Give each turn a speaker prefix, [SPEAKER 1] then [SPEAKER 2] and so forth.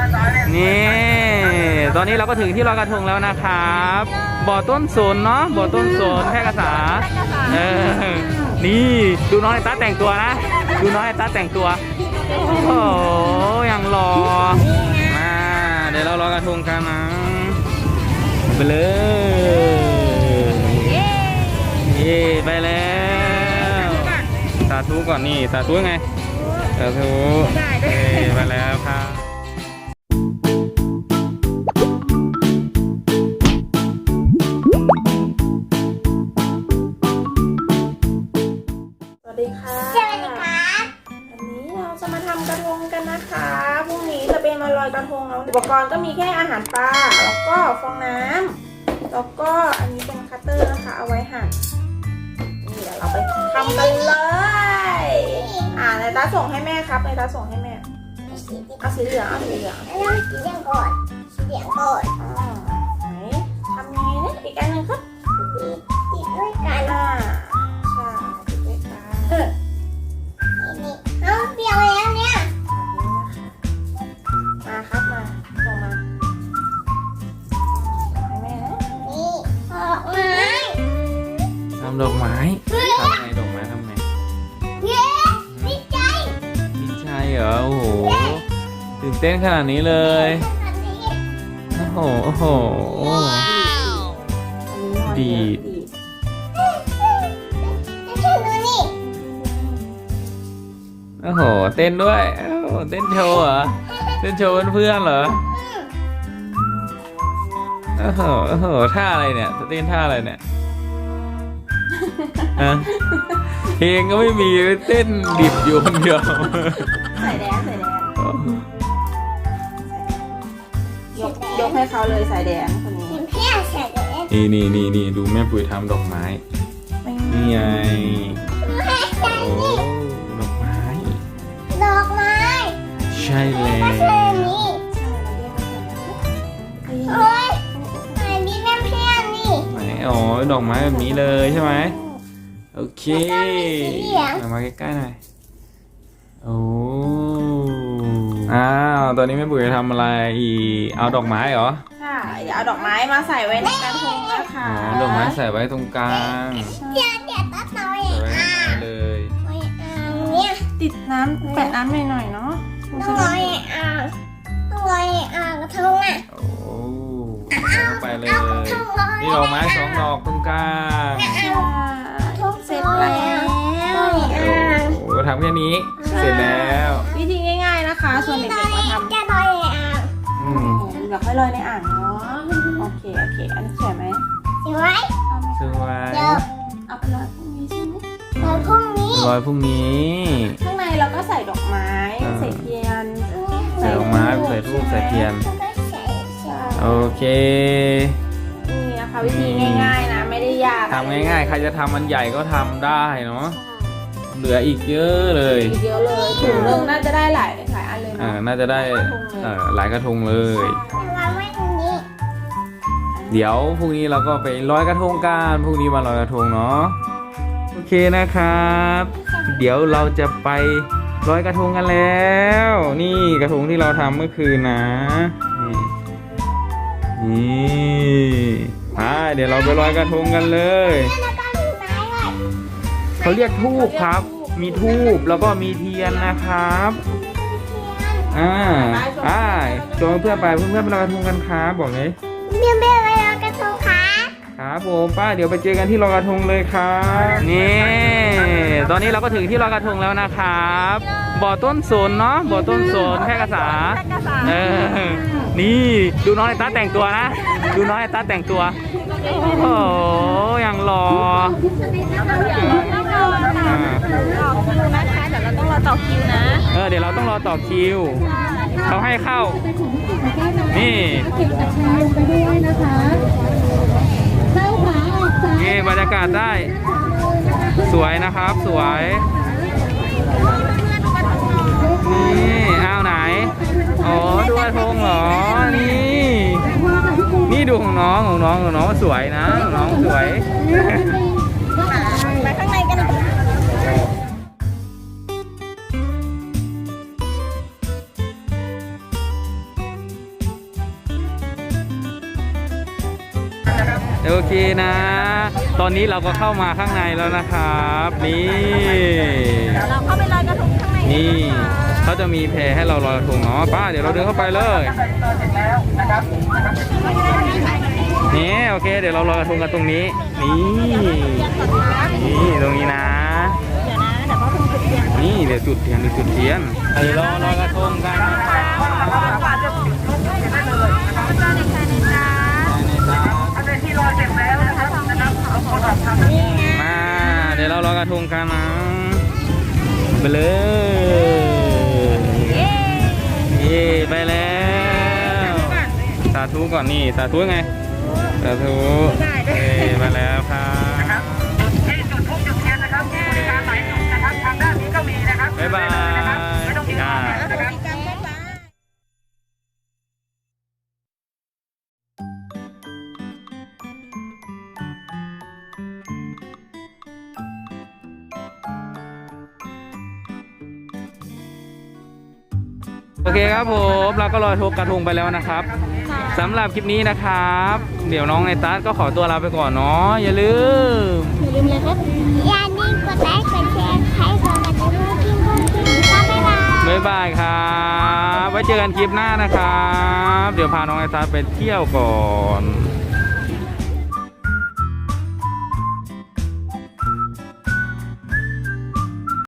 [SPEAKER 1] นี่ตอนนี้เราก็ถึงที่ลอยกระทงแล้วนะครับบ่อต้นสนเนาะบ่อต้นสนแพร่กษานี่ดูน้องไอต้าแต่งตัวนะดูน้องไอต้าแต่งตัวโอ้โหอย่างหล่อมาเดี๋ยวเราลอยกระทงกันนะไปเลยเย่ไปแล้วสาธุก่อนนี่สาธุไงสาธุไปแล้วครับ
[SPEAKER 2] สวัสดีค่ะวันนี้เราจะมาทำกระทงกันนะคะพรุ่งนี้จะเป็นมาลอยกระทงแล้วอุปกรณ์ก็มีแค่อาหารปลาแล้วก็ฟองน้ำแล้วก็อันนี้เป็นคัตเตอร์นะคะเอาไว้หั่นนี่เดี๋ยวเราไปทำกันเลยในตาส่งให้แม่ครับในตาส่งให้แม่เอาสีเหลืองเอาสีเหลือง
[SPEAKER 3] สีเหลืองก่อนสีเหลืองก่อน
[SPEAKER 2] ไหนทำยังไงนะอีกอันหนึ่งครับ
[SPEAKER 3] ติดด้วยกัน
[SPEAKER 2] ใช่ติดด้วยกัน
[SPEAKER 3] นี่เอาเปรี้ยวแล้วเนี่ย
[SPEAKER 2] มาครับมาส่งมาให้แม่นะ
[SPEAKER 3] นี่ออกมา
[SPEAKER 1] ทำดอกไม้ทำไงดอกไม้ทำไง
[SPEAKER 3] เย้ดีใจ
[SPEAKER 1] ดีใจเหรอโอ้โหตื่นเต้นขนาดนี้เลย
[SPEAKER 3] อันนี้
[SPEAKER 1] โอ้โหโอ้โหดีด
[SPEAKER 3] ชื่อนี่
[SPEAKER 1] โอ้โหเต้นด้วยโอ้โหเต้นโชว์เหรอเต้นโชว์เพื่อนๆเหรอโอ้โหโอ้โหท่าอะไรเนี่ยเต้นท่าอะไรเนี่ยฮะเพลงก็ไม่มีเต้นดิบอยู่คนเดียว
[SPEAKER 2] ใส่แดนยกให้เขาเลยสายแดนคนนี้
[SPEAKER 3] เห็นเพี้ยใส่เลย
[SPEAKER 1] นี่ดูแม่ปุ๋ยทำดอกไม้นี่ไงโอ้ดอกไม้
[SPEAKER 3] ดอกไม้
[SPEAKER 1] ใช่แล้ว
[SPEAKER 3] ก็คือนี่โอ้ยอันนี้เป็นเพี้ยนี่
[SPEAKER 1] ไหนอ๋อดอกไม้แบบนี้เลยใช่ไหมโอเค
[SPEAKER 3] แล้วก็มีสีเหลือง
[SPEAKER 1] เอามาใกล้ๆหน่อยโอ้อ้าวตอนนี้แม่ปุ๋ยจะทำอะไรอีกเอาดอกไม้เหรอ
[SPEAKER 2] ค่ะเดี๋ยวเอาดอกไม้มาใส่ไว้ในกระทงนะคะ
[SPEAKER 1] อ๋อดอกไม้ใส่ไว้ตรงกลาง
[SPEAKER 3] เดี๋ยวตัดเอาเอ
[SPEAKER 1] ใส่
[SPEAKER 3] ง
[SPEAKER 1] ไว้ตรงกลางเลย
[SPEAKER 3] เนี่ย
[SPEAKER 2] ติดน้ำแปะน้ำหน่อยๆเนาะ
[SPEAKER 3] ต้องลอยต้องลอยกระทงอ่ะ
[SPEAKER 1] โอ้ใส่ลงไปเลยนี่ดอกไม้สองดอกตรงกลาง
[SPEAKER 2] เสร็จแล้ว
[SPEAKER 1] โอ้ทำแค่นี้เสร็จแล้ว
[SPEAKER 2] วิธีง่ายๆนะคะส่วนเด็กๆมาทำ
[SPEAKER 3] จะลอยอ่ะ
[SPEAKER 1] อืม
[SPEAKER 2] เดี๋ยวค่อยลอยในอ่างเนาะโอเคอันนี้สวยไหม
[SPEAKER 3] สวย
[SPEAKER 2] เอาไหม
[SPEAKER 1] สวย
[SPEAKER 3] เดี๋ยว
[SPEAKER 2] เอาไปลอยพรุ่งนี้ใช่ไหม
[SPEAKER 3] ลอยพรุ่งนี้
[SPEAKER 1] ลอยพรุ่งนี้
[SPEAKER 2] ข้างในเราก็ใส่ดอกไม้ใส่เทียน
[SPEAKER 1] ใส่ดอกไม้ใส่ทูบใส่เทียน
[SPEAKER 3] แล้วก็ใส่
[SPEAKER 2] ใช่
[SPEAKER 1] โอเค
[SPEAKER 2] นี่นะคะวิธีง่ายๆนะไม่ได้ยาก
[SPEAKER 1] ทำง่ายๆใครจะทำมันใหญ่ก็ทำได้เนาะเหลืออีกเยอะเลย
[SPEAKER 2] อีกเยอะเลยถุงนึงน่าจะได้หลายอันเลย
[SPEAKER 1] น่าจะได้หลายกระทงเลย
[SPEAKER 3] วางไว้ตรงนี้
[SPEAKER 1] เดี๋ยวพรุ่งนี้เราก็ไปลอยกระทงกันพรุ่งนี้มาลอยกระทงเนาะโอเคนะครับ เดี๋ยวเราจะไปลอยกระทงกันแล้ว นี่กระทงที่เราทำเมื่อคืนนะนี่เดี๋ยวเราไปลอยกระทงกันเลย
[SPEAKER 3] แล้วก็มีไม้ด้วย
[SPEAKER 1] เขาเรียกทูบครับ มีทูบแล้วก็มีเทียนนะครับชวนเพื่อนไปเพื่อนไปลอยกระทงกันครับบอกเลย
[SPEAKER 3] เบี้ยเบี้ยไปลอยกระทงค่ะ
[SPEAKER 1] ครับผมป้าเดี๋ยวไปเจอกันที่ลอยกระทงเลยครับนี่ตอนนี้เราก็ถึงที่ลอยกระทงแล้วนะครับบ่อต้นสนเนาะบ่อต้นสนแพร่กษานี่ดูน้องไอต้าแต่งตัวนะดูน้องไอต้าแต่งตัวโอ้โหอย่างหล่อ
[SPEAKER 2] นะคะเดี๋ยวเราต้องรอต่อคิวนะ
[SPEAKER 1] เดี๋ยวเราต้องรอต่อคิวเขาให้เข้านี่
[SPEAKER 4] เก็บกับชาลงไปด้วยนะคะเข้าขาออกซ้าย
[SPEAKER 1] นี่บรรยากาศได้สวยนะครับสวยนี่อ้าวไหนอ๋อดูกระทงเหรอนี่ดูของน้องสวยนะของน้องสวย
[SPEAKER 2] ไปข้างในกัน
[SPEAKER 1] โอเคนะ ตอนนี้เราก็เข้ามาข้างในแล้วนะครับ นี่
[SPEAKER 2] เราเข้าไปลอยกระทงข้างใน
[SPEAKER 1] นี่เขาจะมีแพให้เราลอยกระทงเนาะป้าเดี๋ยวเราเดินเข้าไปเลยนี่โอเคเดี๋ยวเราลอยกระทงกันตรงนี้นี่ตรงนี้นะนี่เดี๋ยวจุดเทียนเดี๋ยวเราลอยกระทงกันมาเดี๋ยวเราลอยกระทงกันนะไปเลยเย่ไปแล้วสาธุก่อนนี่สาธุไงสาธุไปแล้วครับบ๊ายบายโอเคครับผมเราก็ลอยกระทงไปแล้วนะครับสำหรับคลิปนี้นะครับ เดี๋ยวน้องในตัสก็ขอตัวลาไปก่อนเนาะอย่าลืม
[SPEAKER 3] เลยครับอย่าลืมกดไลค์กดแชร์ใครสนใจดูคลิปก็บ๊ายบาย
[SPEAKER 1] บ๊ายบายครับไว้เจอกันคลิปหน้านะครับ เดี๋ยวพาน้องในตัสไปเที่ยวก่อน